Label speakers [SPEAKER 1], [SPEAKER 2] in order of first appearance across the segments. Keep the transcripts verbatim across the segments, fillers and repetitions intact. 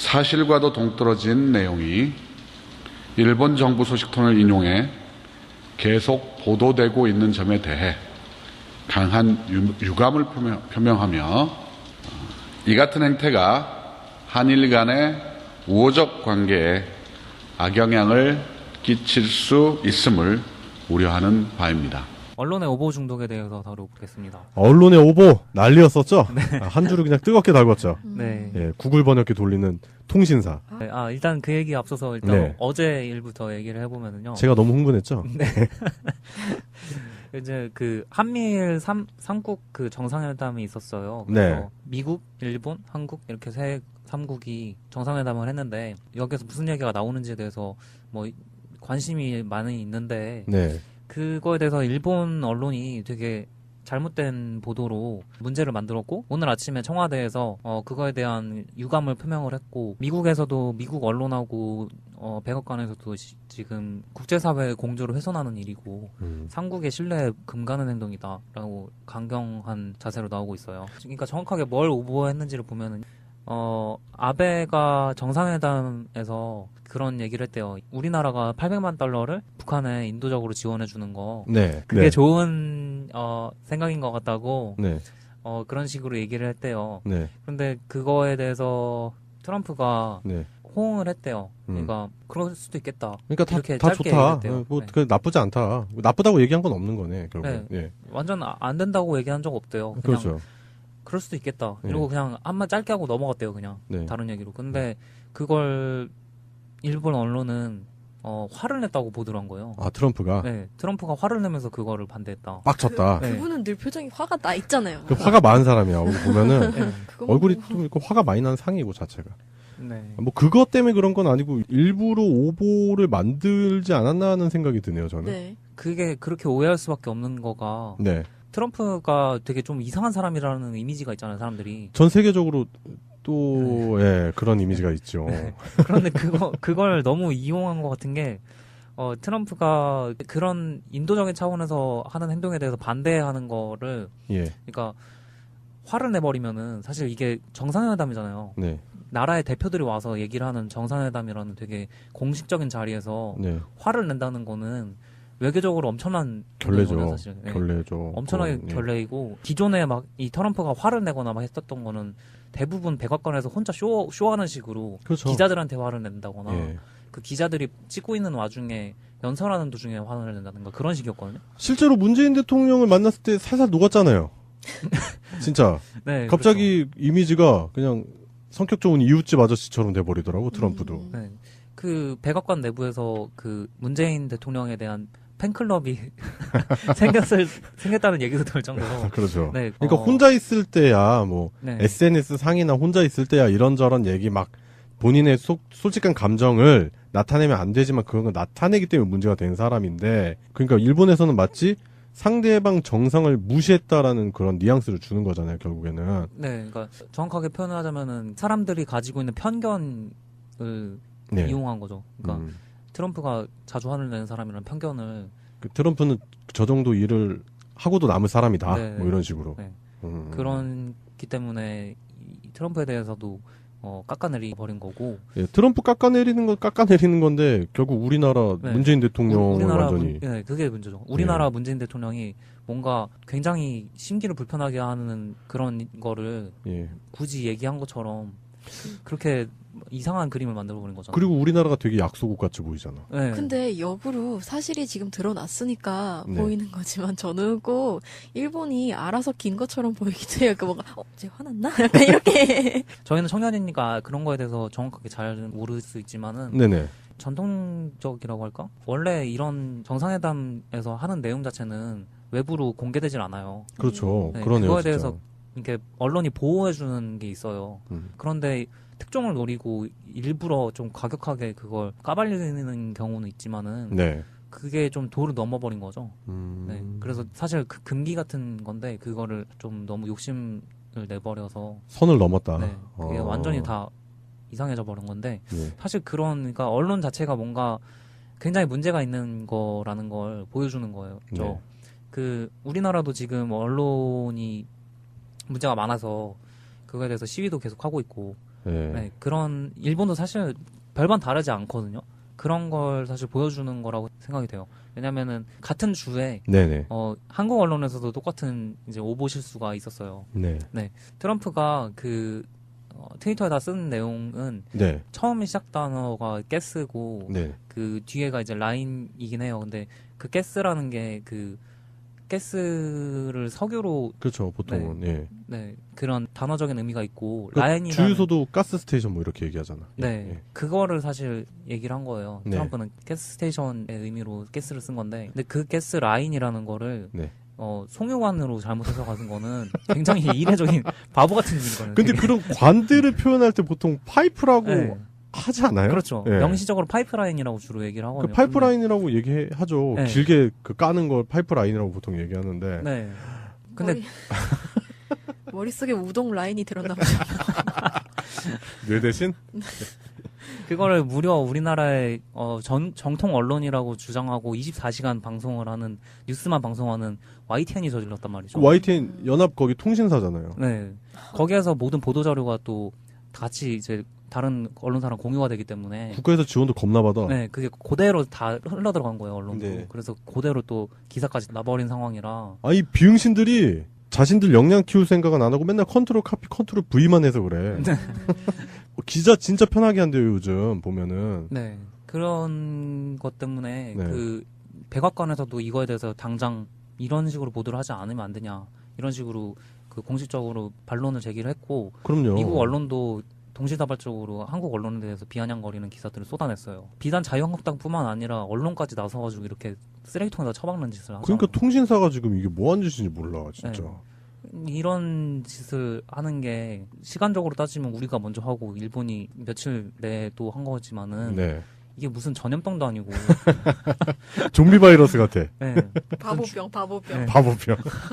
[SPEAKER 1] 사실과도 동떨어진 내용이 일본 정부 소식통을 인용해 계속 보도되고 있는 점에 대해 강한 유감을 표명하며 이 같은 행태가 한일 간의 우호적 관계에 악영향을 끼칠 수 있음을 우려하는 바입니다.
[SPEAKER 2] 언론의 오보 중독에 대해서 다뤄보겠습니다.
[SPEAKER 3] 언론의 오보 난리였었죠? 네. 한 줄을 그냥 뜨겁게 달궜죠.
[SPEAKER 2] 네.
[SPEAKER 3] 예, 구글 번역기 돌리는 통신사.
[SPEAKER 2] 네, 아 일단 그 얘기 앞서서 일단
[SPEAKER 3] 네.
[SPEAKER 2] 어제 일부터 얘기를 해보면은요.
[SPEAKER 3] 제가 너무 흥분했죠?
[SPEAKER 2] 네. 이제 그 한미일 삼, 삼국 그 정상회담이 있었어요. 그래서
[SPEAKER 3] 네.
[SPEAKER 2] 미국, 일본, 한국 이렇게 세 삼국이 정상회담을 했는데 여기서 무슨 얘기가 나오는지에 대해서 뭐 관심이 많이 있는데
[SPEAKER 3] 네.
[SPEAKER 2] 그거에 대해서 일본 언론이 되게 잘못된 보도로 문제를 만들었고 오늘 아침에 청와대에서 어 그거에 대한 유감을 표명을 했고 미국에서도 미국 언론하고 어 백악관에서도 시, 지금 국제사회 공조를 훼손하는 일이고 음. 삼국의 신뢰에 금가는 행동이다라고 강경한 자세로 나오고 있어요. 그러니까 정확하게 뭘 오보했는지를 보면은 어 아베가 정상회담에서 그런 얘기를 했대요. 우리나라가 팔백만 달러를 북한에 인도적으로 지원해 주는 거.
[SPEAKER 3] 네.
[SPEAKER 2] 그게
[SPEAKER 3] 네.
[SPEAKER 2] 좋은 어 생각인 것 같다고.
[SPEAKER 3] 네.
[SPEAKER 2] 어 그런 식으로 얘기를 했대요.
[SPEAKER 3] 네.
[SPEAKER 2] 그런데 그거에 대해서 트럼프가
[SPEAKER 3] 네.
[SPEAKER 2] 호응을 했대요.
[SPEAKER 3] 음.
[SPEAKER 2] 그러니까 그럴 수도 있겠다.
[SPEAKER 3] 그러니까 다,
[SPEAKER 2] 이렇게
[SPEAKER 3] 다
[SPEAKER 2] 짧게
[SPEAKER 3] 좋다.
[SPEAKER 2] 얘기했대요.
[SPEAKER 3] 뭐
[SPEAKER 2] 네.
[SPEAKER 3] 그 나쁘지 않다. 나쁘다고 얘기한 건 없는 거네. 결국.
[SPEAKER 2] 네.
[SPEAKER 3] 예.
[SPEAKER 2] 완전 안 된다고 얘기한 적 없대요. 그냥
[SPEAKER 3] 그렇죠.
[SPEAKER 2] 그럴 수도 있겠다.
[SPEAKER 3] 네.
[SPEAKER 2] 이러고 그냥 한마 짧게 하고 넘어갔대요. 그냥
[SPEAKER 3] 네.
[SPEAKER 2] 다른 얘기로. 근데 그걸 일본 언론은 어, 화를 냈다고 보도를 한 거예요.
[SPEAKER 3] 아 트럼프가.
[SPEAKER 2] 네, 트럼프가 화를 내면서 그거를 반대했다.
[SPEAKER 3] 빡쳤다.
[SPEAKER 4] 그,
[SPEAKER 2] 네.
[SPEAKER 4] 그분은 늘 표정이 화가 나 있잖아요.
[SPEAKER 3] 그 화가 많은 사람이야. 얼굴 보면은
[SPEAKER 2] 네.
[SPEAKER 3] 얼굴이 좀 이렇게 화가 많이 나는 상이고 자체가.
[SPEAKER 2] 네.
[SPEAKER 3] 뭐 그것 때문에 그런 건 아니고 일부러 오보를 만들지 않았나 하는 생각이 드네요. 저는.
[SPEAKER 4] 네.
[SPEAKER 2] 그게 그렇게 오해할 수밖에 없는 거가
[SPEAKER 3] 네.
[SPEAKER 2] 트럼프가 되게 좀 이상한 사람이라는 이미지가 있잖아요, 사람들이.
[SPEAKER 3] 전 세계적으로 또 예, 그런 이미지가 있죠.
[SPEAKER 2] 네. 그런데 그거 그걸 너무 이용한 것 같은 게 어, 트럼프가 그런 인도적인 차원에서 하는 행동에 대해서 반대하는 거를
[SPEAKER 3] 예.
[SPEAKER 2] 그러니까 화를 내버리면은 사실 이게 정상회담이잖아요.
[SPEAKER 3] 네.
[SPEAKER 2] 나라의 대표들이 와서 얘기를 하는 정상회담이라는 되게 공식적인 자리에서
[SPEAKER 3] 네.
[SPEAKER 2] 화를 낸다는 거는 외교적으로 엄청난
[SPEAKER 3] 결례죠.
[SPEAKER 2] 거예요, 사실. 네.
[SPEAKER 3] 결례죠.
[SPEAKER 2] 엄청나게
[SPEAKER 3] 그건, 예.
[SPEAKER 2] 결례이고 기존에 막 이 트럼프가 화를 내거나 막 했었던 거는 대부분 백악관에서 혼자 쇼 쇼하는 식으로
[SPEAKER 3] 그렇죠.
[SPEAKER 2] 기자들한테 화를 낸다거나
[SPEAKER 3] 예.
[SPEAKER 2] 그 기자들이 찍고 있는 와중에 연설하는 도중에 화를 낸다든가 그런 식이었거든요.
[SPEAKER 3] 실제로 문재인 대통령을 만났을 때 살살 녹았잖아요. 진짜.
[SPEAKER 2] 네,
[SPEAKER 3] 갑자기 이미지가 그냥 성격 좋은 이웃집 아저씨처럼 돼버리더라고 트럼프도.
[SPEAKER 4] 음.
[SPEAKER 2] 그렇죠. 네. 그 백악관 내부에서 그 문재인 대통령에 대한 팬클럽이 생겼을 생겼다는 얘기도 들 정도로.
[SPEAKER 3] 그렇죠.
[SPEAKER 2] 네,
[SPEAKER 3] 그러니까
[SPEAKER 2] 어,
[SPEAKER 3] 혼자 있을 때야 뭐
[SPEAKER 2] 네.
[SPEAKER 3] 에스엔에스 상이나 혼자 있을 때야 이런저런 얘기 막 본인의 속, 솔직한 감정을 나타내면 안 되지만 그런 걸 나타내기 때문에 문제가 된 사람인데 그러니까 일본에서는 마치 상대방 정상을 무시했다라는 그런 뉘앙스를 주는 거잖아요 결국에는.
[SPEAKER 2] 네, 그러니까 정확하게 표현을 하자면은 사람들이 가지고 있는 편견을
[SPEAKER 3] 네.
[SPEAKER 2] 이용한 거죠. 그러니까
[SPEAKER 3] 음.
[SPEAKER 2] 트럼프가 자주 화를 내는 사람이라는 편견을
[SPEAKER 3] 그 트럼프는 저 정도 일을 하고도 남을 사람이다.
[SPEAKER 2] 네.
[SPEAKER 3] 뭐 이런 식으로.
[SPEAKER 2] 네.
[SPEAKER 3] 음.
[SPEAKER 2] 그런기 때문에 이 트럼프에 대해서도 어, 깎아내리 버린 거고.
[SPEAKER 3] 예, 트럼프 깎아내리는 건 깎아내리는 건데 결국 우리나라
[SPEAKER 2] 네.
[SPEAKER 3] 문재인 대통령을
[SPEAKER 2] 우리나라
[SPEAKER 3] 완전히
[SPEAKER 2] 문, 네, 그게 문제죠. 우리나라
[SPEAKER 3] 예.
[SPEAKER 2] 문재인 대통령이 뭔가 굉장히 심기를 불편하게 하는 그런 거를
[SPEAKER 3] 예.
[SPEAKER 2] 굳이 얘기한 것처럼 그렇게 이상한 그림을 만들어 버린 거잖아요.
[SPEAKER 3] 그리고 우리나라가 되게 약소국 같이 보이잖아.
[SPEAKER 2] 네.
[SPEAKER 4] 근데 역으로 사실이 지금 드러났으니까
[SPEAKER 3] 네.
[SPEAKER 4] 보이는 거지만 저는 꼭 일본이 알아서 긴 것처럼 보이기도 해요. 그 뭔가 어, 쟤 화났나? 약간 이렇게.
[SPEAKER 2] 저희는 청년이니까 그런 거에 대해서 정확하게 잘 모를 수 있지만은
[SPEAKER 3] 네네.
[SPEAKER 2] 전통적이라고 할까? 원래 이런 정상회담에서 하는 내용 자체는 외부로 공개되질 않아요.
[SPEAKER 3] 그렇죠.
[SPEAKER 2] 네,
[SPEAKER 3] 그러네요.
[SPEAKER 2] 그거에
[SPEAKER 3] 진짜.
[SPEAKER 2] 대해서 이렇게 언론이 보호해주는 게 있어요.
[SPEAKER 3] 음.
[SPEAKER 2] 그런데 특종을 노리고 일부러 좀 과격하게 그걸 까발리는 경우는 있지만은
[SPEAKER 3] 네.
[SPEAKER 2] 그게 좀 도를 넘어버린 거죠.
[SPEAKER 3] 음.
[SPEAKER 2] 네. 그래서 사실 그 금기 같은 건데 그거를 좀 너무 욕심을 내버려서
[SPEAKER 3] 선을 넘었다.
[SPEAKER 2] 네, 그게
[SPEAKER 3] 어.
[SPEAKER 2] 완전히 다 이상해져 버린 건데
[SPEAKER 3] 네.
[SPEAKER 2] 사실 그런 그러니까 언론 자체가 뭔가 굉장히 문제가 있는 거라는 걸 보여주는 거예요. 저
[SPEAKER 3] 네.
[SPEAKER 2] 그 우리나라도 지금 언론이 문제가 많아서 그거에 대해서 시위도 계속 하고 있고
[SPEAKER 3] 예.
[SPEAKER 2] 네, 그런 일본도 사실 별반 다르지 않거든요. 그런 걸 사실 보여주는 거라고 생각이 돼요. 왜냐면은 같은 주에
[SPEAKER 3] 네네.
[SPEAKER 2] 어, 한국 언론에서도 똑같은 이제 오보 실수가 있었어요.
[SPEAKER 3] 네.
[SPEAKER 2] 트럼프가 그 어, 트위터에다 쓴 내용은
[SPEAKER 3] 네.
[SPEAKER 2] 처음 시작 단어가 가스고
[SPEAKER 3] 네.
[SPEAKER 2] 그 뒤에가 이제 라인이긴 해요. 근데 그 가스라는 게 그 가스를 석유로
[SPEAKER 3] 그렇죠. 보통은 예.
[SPEAKER 2] 네 그런 단어적인 의미가 있고
[SPEAKER 3] 그
[SPEAKER 2] 라인이라는
[SPEAKER 3] 주유소도 가스 스테이션 뭐 이렇게 얘기하잖아. 예,
[SPEAKER 2] 네
[SPEAKER 3] 예.
[SPEAKER 2] 그거를 사실 얘기를 한 거예요.
[SPEAKER 3] 네.
[SPEAKER 2] 트럼프는 가스 스테이션의 의미로 가스를 쓴 건데 근데 그 가스 라인이라는 거를
[SPEAKER 3] 네.
[SPEAKER 2] 어, 송유관으로 잘못해서 가는 거는 굉장히 이례적인 바보 같은 일이거든요.
[SPEAKER 3] 근데
[SPEAKER 2] 되게.
[SPEAKER 3] 그런 관들을 표현할 때 보통 파이프라고
[SPEAKER 2] 네.
[SPEAKER 3] 하지 않아요?
[SPEAKER 2] 그렇죠.
[SPEAKER 3] 예.
[SPEAKER 2] 명시적으로 파이프라인이라고 주로 얘기를
[SPEAKER 3] 그
[SPEAKER 2] 하거든요.
[SPEAKER 3] 파이프라인이라고 얘기하죠.
[SPEAKER 2] 네.
[SPEAKER 3] 길게 그 까는 걸 파이프라인이라고 보통 얘기하는데.
[SPEAKER 2] 근데, 네. 근데
[SPEAKER 4] 머리... 머릿속에 우동 라인이 들었나 보죠.
[SPEAKER 3] 뇌 대신?
[SPEAKER 2] 그거를 무려 우리나라의 어, 전, 정통 언론이라고 주장하고 이십사 시간 방송을 하는 뉴스만 방송하는 와이티엔이 저질렀단 말이죠.
[SPEAKER 3] 그 와이티엔 연합 거기 통신사잖아요.
[SPEAKER 2] 네. 거기에서 모든 보도 자료가 또 같이 이제 다른 언론사랑 공유가 되기 때문에
[SPEAKER 3] 국가에서 지원도 겁나 받아.
[SPEAKER 2] 네, 그게 그대로 다 흘러 들어간 거예요, 언론도.
[SPEAKER 3] 네.
[SPEAKER 2] 그래서 그대로 또 기사까지 나버린 상황이라.
[SPEAKER 3] 아, 이 비응신들이 자신들 역량 키울 생각은 안 하고 맨날 컨트롤 카피, 컨트롤 V만 해서 그래. 기자 진짜 편하게 한대요, 요즘 보면은.
[SPEAKER 2] 네. 그런 것 때문에
[SPEAKER 3] 네.
[SPEAKER 2] 그 백악관에서도 이거에 대해서 당장 이런 식으로 보도를 하지 않으면 안 되냐. 이런 식으로 그 공식적으로 반론을 제기를 했고
[SPEAKER 3] 그럼요.
[SPEAKER 2] 미국 언론도 동시다발적으로 한국 언론에 대해서 비아냥거리는 기사들을 쏟아냈어요. 비단 자유한국당뿐만 아니라 언론까지 나서가지고 이렇게 쓰레기통에다 처박는 짓을 하죠.
[SPEAKER 3] 그러니까 통신사가 지금 이게 뭐 하는 짓인지 몰라, 진짜.
[SPEAKER 2] 네. 이런 짓을 하는 게 시간적으로 따지면 우리가 먼저 하고 일본이 며칠 내에 또 한 거지만은
[SPEAKER 3] 네.
[SPEAKER 2] 이게 무슨 전염병도 아니고
[SPEAKER 3] 좀비 바이러스 같아.
[SPEAKER 2] 네.
[SPEAKER 4] 바보병, 바보병.
[SPEAKER 2] 네.
[SPEAKER 3] 바보병.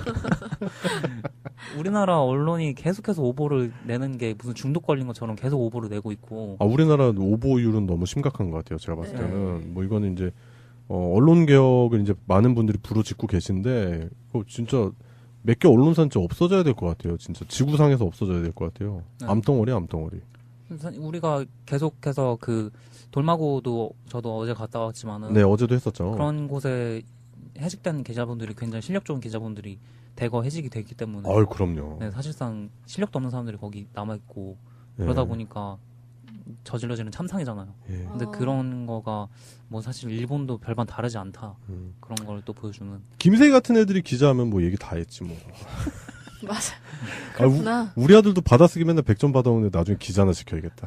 [SPEAKER 2] 우리나라 언론이 계속해서 오보를 내는 게 무슨 중독 걸린 것처럼 계속 오보를 내고 있고
[SPEAKER 3] 아, 우리나라 오보율은 너무 심각한 것 같아요. 제가 봤을
[SPEAKER 4] 네.
[SPEAKER 3] 때는. 뭐 이거는 이제, 어, 언론 개혁을 이제 많은 분들이 부르짖고 계신데, 그거 진짜 몇 개 언론사는 진짜 없어져야 될 것 같아요. 진짜 지구상에서 없어져야 될 것 같아요.
[SPEAKER 2] 네.
[SPEAKER 3] 암덩어리, 암덩어리.
[SPEAKER 2] 우리가 계속해서 그 돌마고도 저도 어제 갔다 왔지만은
[SPEAKER 3] 네, 어제도 했었죠.
[SPEAKER 2] 그런 곳에 해직된 기자분들이 굉장히 실력 좋은 기자분들이 대거 해직이 됐기 때문에
[SPEAKER 3] 아유, 그럼요.
[SPEAKER 2] 네, 사실상 실력도 없는 사람들이 거기 남아있고
[SPEAKER 3] 예.
[SPEAKER 2] 그러다 보니까 저질러지는 참상이잖아요.
[SPEAKER 3] 예.
[SPEAKER 2] 근데
[SPEAKER 4] 어.
[SPEAKER 2] 그런 거가 뭐 사실 일본도 별반 다르지 않다.
[SPEAKER 3] 음.
[SPEAKER 2] 그런 걸 또 보여주는.
[SPEAKER 3] 김세희 같은 애들이 기자하면 뭐 얘기 다 했지 뭐.
[SPEAKER 4] 맞아.
[SPEAKER 3] 아, 우-
[SPEAKER 4] 그렇구나.
[SPEAKER 3] 우리 아들도 받아쓰기 맨날 백 점 받아오는데 나중에 기자나 시켜야겠다.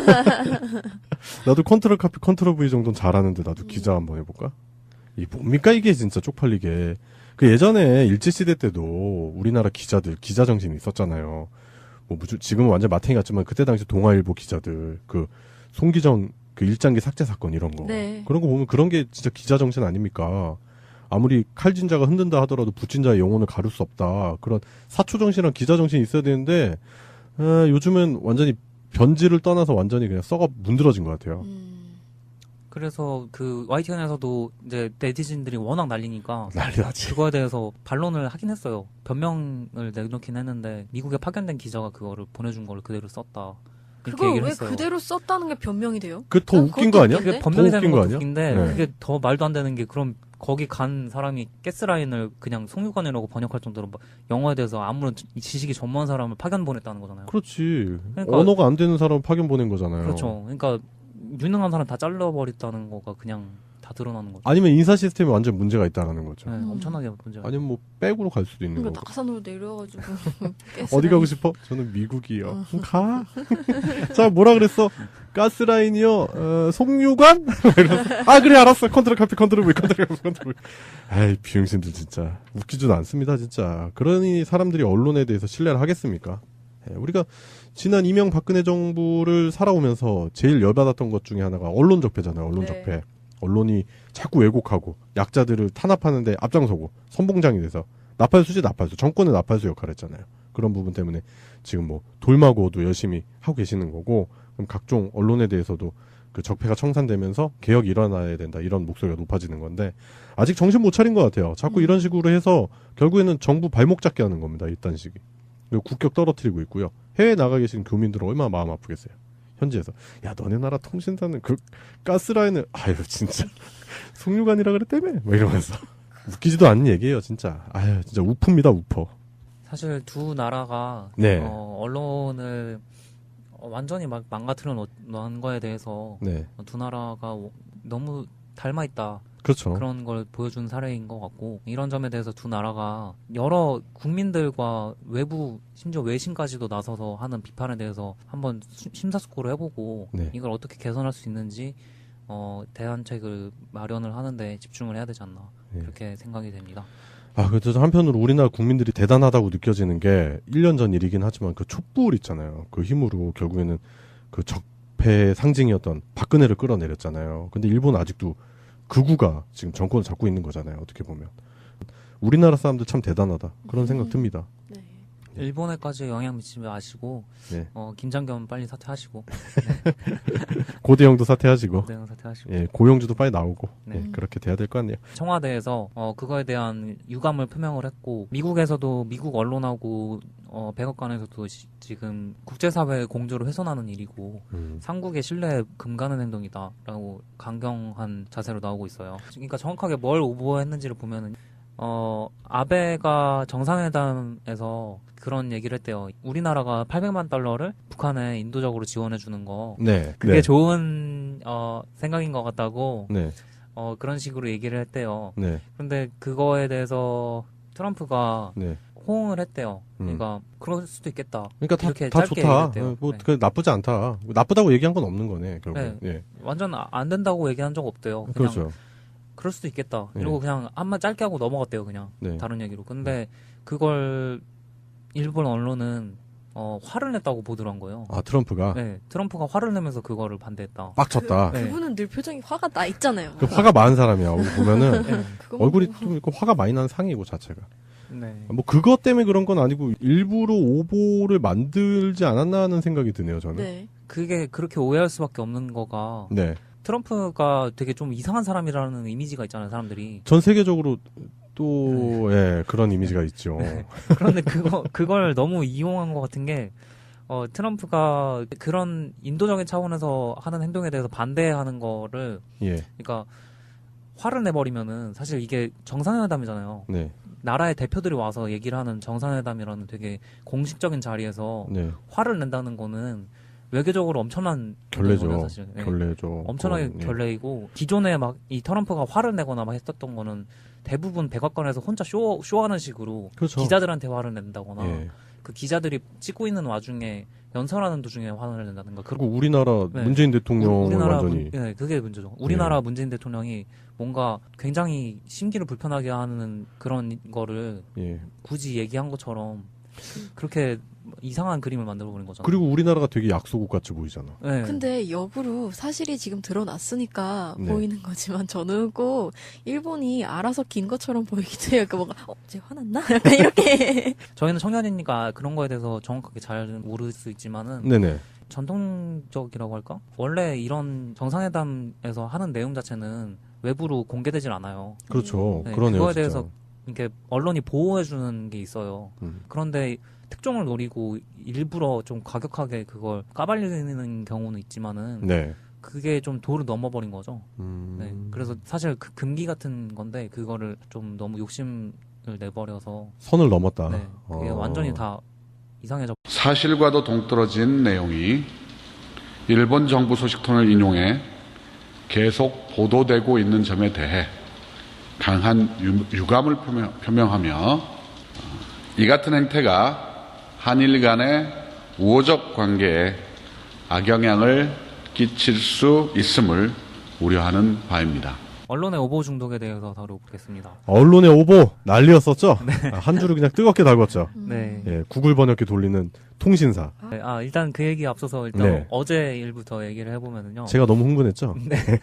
[SPEAKER 3] 나도 컨트롤 카피, 컨트롤 V 정도는 잘하는데 나도 기자 한번 해볼까? 이 뭡니까 이게 진짜 쪽팔리게. 그 예전에 일제시대 때도 우리나라 기자들, 기자 정신이 있었잖아요. 뭐 무슨, 지금은 완전 마탱이 같지만 그때 당시 동아일보 기자들, 그 송기정 그 일장기 삭제 사건 이런 거.
[SPEAKER 4] 네.
[SPEAKER 3] 그런 거 보면 그런 게 진짜 기자 정신 아닙니까? 아무리 칼진자가 흔든다 하더라도 붓진자의 영혼을 가릴 수 없다. 그런 사초 정신이랑 기자 정신이 있어야 되는데 에, 요즘은 완전히 변질을 떠나서 완전히 그냥 썩어 문드러진 것 같아요.
[SPEAKER 4] 음,
[SPEAKER 2] 그래서 그 와이티엔에서도 이제 네티즌들이 워낙 날리니까
[SPEAKER 3] 난리 나지.
[SPEAKER 2] 그거에 대해서 반론을 하긴 했어요. 변명을 내놓긴 했는데 미국에 파견된 기자가 그거를 보내준 걸 그대로 썼다. 이렇게
[SPEAKER 4] 그걸
[SPEAKER 2] 얘기를
[SPEAKER 4] 왜
[SPEAKER 2] 했어요.
[SPEAKER 4] 그대로 썼다는 게 변명이 돼요?
[SPEAKER 3] 그 더
[SPEAKER 4] 난
[SPEAKER 3] 웃긴
[SPEAKER 4] 그것도
[SPEAKER 3] 거 아니야?
[SPEAKER 4] 웃긴데?
[SPEAKER 2] 그게 변명이
[SPEAKER 3] 더
[SPEAKER 2] 되는
[SPEAKER 3] 웃긴 거
[SPEAKER 2] 것도
[SPEAKER 3] 아니야?
[SPEAKER 2] 웃긴데
[SPEAKER 3] 네.
[SPEAKER 2] 그게 더 말도 안 되는 게 그럼 거기 간 사람이 가스라인을 그냥 송유관이라고 번역할 정도로 막 영어에 대해서 아무런 지- 지식이 전무한 사람을 파견 보냈다는 거잖아요.
[SPEAKER 3] 그렇지.
[SPEAKER 2] 그러니까-
[SPEAKER 3] 언어가 안 되는 사람 파견 보낸 거잖아요.
[SPEAKER 2] 그렇죠. 그러니까 유능한 사람 다 잘라버렸다는 거가 그냥 다 드러나는 거죠.
[SPEAKER 3] 아니면 인사 시스템이 완전 문제가 있다는 거죠.
[SPEAKER 2] 네,
[SPEAKER 4] 음.
[SPEAKER 2] 엄청나게 문제가.
[SPEAKER 3] 아니면 뭐 백으로 갈 수도 있는
[SPEAKER 4] 그러니까
[SPEAKER 3] 거고.
[SPEAKER 4] 낙산으로 내려가지고
[SPEAKER 3] 어디 가고 싶어? 저는 미국이요. 가. 자, 뭐라 그랬어? 가스라인이요. 어, 송유관? 이러면서, 아, 그래, 알았어. 컨트롤 카피, 컨트롤 V, 컨트롤 카피, 컨트롤 V. 아이, 비응신들 진짜. 웃기지도 않습니다, 진짜. 그러니 사람들이 언론에 대해서 신뢰를 하겠습니까? 예, 우리가 지난 이명박근혜 정부를 살아오면서 제일 열받았던 것 중에 하나가 언론 적폐잖아요, 언론
[SPEAKER 4] 네.
[SPEAKER 3] 적폐. 언론이 자꾸 왜곡하고 약자들을 탄압하는데 앞장서고 선봉장이 돼서 나팔수지 나팔수, 정권의 나팔수 역할을 했잖아요. 그런 부분 때문에 지금 뭐 돌마고도 열심히 하고 계시는 거고, 그럼 각종 언론에 대해서도 그 적폐가 청산되면서 개혁이 일어나야 된다, 이런 목소리가 높아지는 건데 아직 정신 못 차린 것 같아요. 자꾸
[SPEAKER 4] 음.
[SPEAKER 3] 이런 식으로 해서 결국에는 정부 발목 잡게 하는 겁니다. 이딴 식이. 그리고 국격 떨어뜨리고 있고요. 해외 나가 계신 교민들은 얼마나 마음 아프겠어요. 현지에서 야 너네 나라 통신사는 그 가스라인을 아유 진짜 송유관이라 그랬다며 뭐 이러면서 웃기지도 않는 얘기예요 진짜. 아유 진짜 우프입니다 우퍼.
[SPEAKER 2] 사실 두 나라가
[SPEAKER 3] 네.
[SPEAKER 2] 어, 언론을 어, 완전히 막 망가뜨려 놓은 거에 대해서
[SPEAKER 3] 네.
[SPEAKER 2] 어, 두 나라가 너무 닮아 있다.
[SPEAKER 3] 그렇죠.
[SPEAKER 2] 그런 걸 보여준 사례인 것 같고 이런 점에 대해서 두 나라가 여러 국민들과 외부 심지어 외신까지도 나서서 하는 비판에 대해서 한번 수- 심사숙고를 해보고
[SPEAKER 3] 네.
[SPEAKER 2] 이걸 어떻게 개선할 수 있는지 어, 대안책을 마련을 하는데 집중을 해야 되지 않나
[SPEAKER 3] 네.
[SPEAKER 2] 그렇게 생각이 됩니다.
[SPEAKER 3] 아, 그래서 한편으로 우리나라 국민들이 대단하다고 느껴지는 게 일 년 전 일이긴 하지만 그 촛불 있잖아요. 그 힘으로 결국에는 그 적폐의 상징이었던 박근혜를 끌어내렸잖아요. 근데 일본은 아직도 극우가 지금 정권을 잡고 있는 거잖아요. 어떻게 보면. 우리나라 사람들 참 대단하다. 그런 생각
[SPEAKER 4] 음.
[SPEAKER 3] 듭니다.
[SPEAKER 4] 네.
[SPEAKER 2] 일본에까지 영향 미치지 마시고
[SPEAKER 3] 네.
[SPEAKER 2] 어, 김장겸 빨리 사퇴하시고
[SPEAKER 3] 고대영도 사퇴하시고,
[SPEAKER 2] 대응 사퇴하시고
[SPEAKER 3] 예, 고영주도 빨리 나오고,
[SPEAKER 2] 네.
[SPEAKER 3] 예, 그렇게 돼야 될 것 같네요.
[SPEAKER 2] 청와대에서 어, 그거에 대한 유감을 표명을 했고 미국에서도 미국 언론하고 어, 백악관에서도 시- 지금 국제사회 공조를 훼손하는 일이고
[SPEAKER 3] 음.
[SPEAKER 2] 삼국의 신뢰에 금가는 행동이다라고 강경한 자세로 나오고 있어요. 그러니까 정확하게 뭘 오보했는지를 보면은 어, 아베가 정상회담에서 그런 얘기를 했대요. 우리나라가 팔백만 달러를 북한에 인도적으로 지원해 주는 거
[SPEAKER 3] 네.
[SPEAKER 2] 그게
[SPEAKER 3] 네.
[SPEAKER 2] 좋은 어, 생각인 것 같다고
[SPEAKER 3] 네.
[SPEAKER 2] 어, 그런 식으로 얘기를 했대요.
[SPEAKER 3] 네.
[SPEAKER 2] 근데 그거에 대해서 트럼프가
[SPEAKER 3] 네.
[SPEAKER 2] 호응을 했대요.
[SPEAKER 3] 음.
[SPEAKER 2] 그러니까 그럴 수도 있겠다.
[SPEAKER 3] 그러니까 다,
[SPEAKER 2] 이렇게
[SPEAKER 3] 다
[SPEAKER 2] 짧게
[SPEAKER 3] 좋다.
[SPEAKER 2] 얘기했대요.
[SPEAKER 3] 어, 뭐,
[SPEAKER 2] 네.
[SPEAKER 3] 그 나쁘지 않다. 나쁘다고 얘기한 건 없는 거네, 결국.
[SPEAKER 2] 네.
[SPEAKER 3] 예.
[SPEAKER 2] 완전 아- 안 된다고 얘기한 적 없대요. 그냥
[SPEAKER 3] 그렇죠.
[SPEAKER 2] 그럴 수도 있겠다.
[SPEAKER 3] 네.
[SPEAKER 2] 이러고 그냥 한마 짧게 하고 넘어갔대요. 그냥
[SPEAKER 3] 네.
[SPEAKER 2] 다른 얘기로. 근데 그걸 일본 언론은 어, 화를 냈다고 보도를 한 거예요.
[SPEAKER 3] 아, 트럼프가
[SPEAKER 2] 네, 트럼프가 화를 내면서 그거를 반대했다.
[SPEAKER 3] 빡쳤다.
[SPEAKER 2] 네.
[SPEAKER 4] 그분은 늘 표정이 화가 나 있잖아요.
[SPEAKER 3] 그 화가 많은 사람이야. 얼굴 보면은
[SPEAKER 2] 네.
[SPEAKER 4] 그것만
[SPEAKER 3] 얼굴이
[SPEAKER 4] 보고.
[SPEAKER 3] 좀 있고 화가 많이 나는 상이고 자체가.
[SPEAKER 2] 네.
[SPEAKER 3] 뭐 그것 때문에 그런 건 아니고 일부러 오보를 만들지 않았나 하는 생각이 드네요, 저는.
[SPEAKER 4] 네.
[SPEAKER 2] 그게 그렇게 오해할 수밖에 없는 거가
[SPEAKER 3] 네.
[SPEAKER 2] 트럼프가 되게 좀 이상한 사람이라는 이미지가 있잖아요, 사람들이.
[SPEAKER 3] 전 세계적으로 또 예, 그런 이미지가 있죠.
[SPEAKER 2] 그런데 그거 그걸 너무 이용한 것 같은 게 어, 트럼프가 그런 인도적인 차원에서 하는 행동에 대해서 반대하는 거를
[SPEAKER 3] 예.
[SPEAKER 2] 그러니까 화를 내버리면은 사실 이게 정상회담이잖아요.
[SPEAKER 3] 네.
[SPEAKER 2] 나라의 대표들이 와서 얘기를 하는 정상회담이라는 되게 공식적인 자리에서
[SPEAKER 3] 네.
[SPEAKER 2] 화를 낸다는 거는 외교적으로 엄청난
[SPEAKER 3] 결례죠.
[SPEAKER 2] 행동이거든요, 사실. 네.
[SPEAKER 3] 결례죠.
[SPEAKER 2] 엄청나게
[SPEAKER 3] 그건, 예.
[SPEAKER 2] 결례이고 기존에 막 이 트럼프가 화를 내거나 막 했었던 거는 대부분 백악관에서 혼자 쇼 쇼하는 식으로
[SPEAKER 3] 그렇죠.
[SPEAKER 2] 기자들한테 화를 낸다거나
[SPEAKER 3] 예.
[SPEAKER 2] 그 기자들이 찍고 있는 와중에 연설하는 도중에 화를 낸다든가
[SPEAKER 3] 그리고 우리나라
[SPEAKER 2] 네.
[SPEAKER 3] 문재인 대통령을
[SPEAKER 2] 우리나라
[SPEAKER 3] 완전히
[SPEAKER 2] 문, 네, 그게 문제죠. 우리나라 문재인 대통령이 뭔가 굉장히 심기를 불편하게 하는 그런 거를
[SPEAKER 3] 예.
[SPEAKER 2] 굳이 얘기한 것처럼 그렇게 이상한 그림을 만들어 버린 거잖아요.
[SPEAKER 3] 그리고 우리나라가 되게 약소국 같이 보이잖아.
[SPEAKER 2] 네.
[SPEAKER 4] 근데 역으로 사실이 지금 드러났으니까
[SPEAKER 3] 네.
[SPEAKER 4] 보이는 거지만 저는 꼭 일본이 알아서 긴 것처럼 보이기도 해요. 그 뭔가 어, 쟤 화났나? 약간 이렇게.
[SPEAKER 2] 저희는 청년이니까 그런 거에 대해서 정확하게 잘 모를 수 있지만은
[SPEAKER 3] 네네.
[SPEAKER 2] 전통적이라고 할까? 원래 이런 정상회담에서 하는 내용 자체는 외부로 공개되질 않아요.
[SPEAKER 3] 그렇죠.
[SPEAKER 2] 네,
[SPEAKER 3] 그러네요.
[SPEAKER 2] 그거에
[SPEAKER 3] 진짜.
[SPEAKER 2] 대해서 이렇게 언론이 보호해주는 게 있어요.
[SPEAKER 3] 음.
[SPEAKER 2] 그런데 특종을 노리고 일부러 좀 과격하게 그걸 까발리는 경우는 있지만은
[SPEAKER 3] 네.
[SPEAKER 2] 그게 좀 도를 넘어버린 거죠.
[SPEAKER 3] 음.
[SPEAKER 2] 네. 그래서 사실 그 금기 같은 건데 그거를 좀 너무 욕심을 내버려서
[SPEAKER 3] 선을 넘었다.
[SPEAKER 2] 네, 그게
[SPEAKER 3] 어.
[SPEAKER 2] 완전히 다 이상해져.
[SPEAKER 1] 사실과도 동떨어진 내용이 일본 정부 소식통을 인용해 계속 보도되고 있는 점에 대해 강한 유, 유감을 표명, 표명하며 어, 이 같은 행태가 한일 간의 우호적 관계에 악영향을 끼칠 수 있음을 우려하는 바입니다.
[SPEAKER 2] 언론의 오보 중독에 대해서 다뤄보겠습니다.
[SPEAKER 3] 언론의 오보 난리였었죠. 아, 한 줄을 그냥 뜨겁게 달궜죠.
[SPEAKER 2] 네.
[SPEAKER 3] 예, 구글 번역기 돌리는 통신사.
[SPEAKER 2] 네, 아 일단 그 얘기 앞서서 일단
[SPEAKER 3] 네.
[SPEAKER 2] 어제 일부터 얘기를 해보면은요.
[SPEAKER 3] 제가 너무 흥분했죠.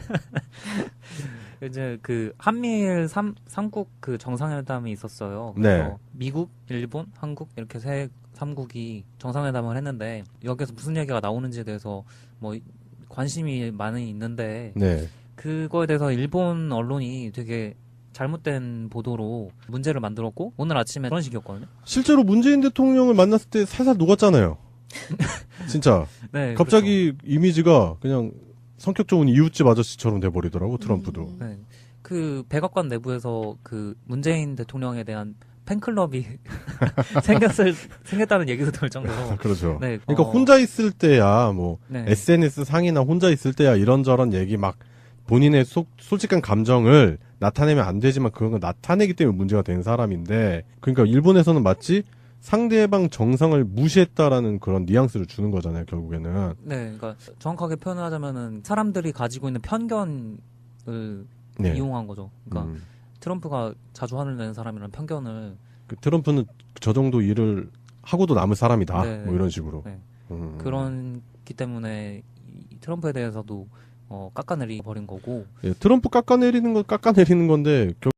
[SPEAKER 2] 이제 그 한미일 삼, 삼국 그 정상회담이 있었어요. 그래서
[SPEAKER 3] 네.
[SPEAKER 2] 미국, 일본, 한국 이렇게 세 삼국이 정상회담을 했는데 여기서 무슨 얘기가 나오는지에 대해서 뭐 관심이 많이 있는데
[SPEAKER 3] 네.
[SPEAKER 2] 그거에 대해서 일본 언론이 되게 잘못된 보도로 문제를 만들었고 오늘 아침에 그런 식이었거든요.
[SPEAKER 3] 실제로 문재인 대통령을 만났을 때 살살 녹았잖아요. 진짜
[SPEAKER 2] 네,
[SPEAKER 3] 갑자기 이미지가 그냥 성격 좋은 이웃집 아저씨처럼 돼버리더라고 트럼프도.
[SPEAKER 4] 음.
[SPEAKER 2] 그렇죠. 네. 그 백악관 내부에서 그 문재인 대통령에 대한 팬클럽이 생겼을 생겼다는 얘기도 들 정도로.
[SPEAKER 3] 그렇죠.
[SPEAKER 2] 네,
[SPEAKER 3] 그러니까
[SPEAKER 2] 어,
[SPEAKER 3] 혼자 있을 때야 뭐
[SPEAKER 2] 네.
[SPEAKER 3] 에스엔에스 상이나 혼자 있을 때야 이런저런 얘기 막 본인의 속, 솔직한 감정을 나타내면 안 되지만 그런 걸 나타내기 때문에 문제가 된 사람인데, 그러니까 일본에서는 마치 상대방 정상을 무시했다라는 그런 뉘앙스를 주는 거잖아요, 결국에는.
[SPEAKER 2] 네, 그러니까 정확하게 표현을 하자면은 사람들이 가지고 있는 편견을
[SPEAKER 3] 네.
[SPEAKER 2] 이용한 거죠. 그러니까
[SPEAKER 3] 음.
[SPEAKER 2] 트럼프가 자주 화를 내는 사람이라는 편견을.
[SPEAKER 3] 그 트럼프는 저 정도 일을 하고도 남을 사람이다.
[SPEAKER 2] 네.
[SPEAKER 3] 뭐 이런 식으로.
[SPEAKER 2] 네.
[SPEAKER 3] 음.
[SPEAKER 2] 그런기 때문에 이 트럼프에 대해서도 어, 깎아내리 버린 거고.
[SPEAKER 3] 예, 트럼프 깎아내리는 건 깎아내리는 건데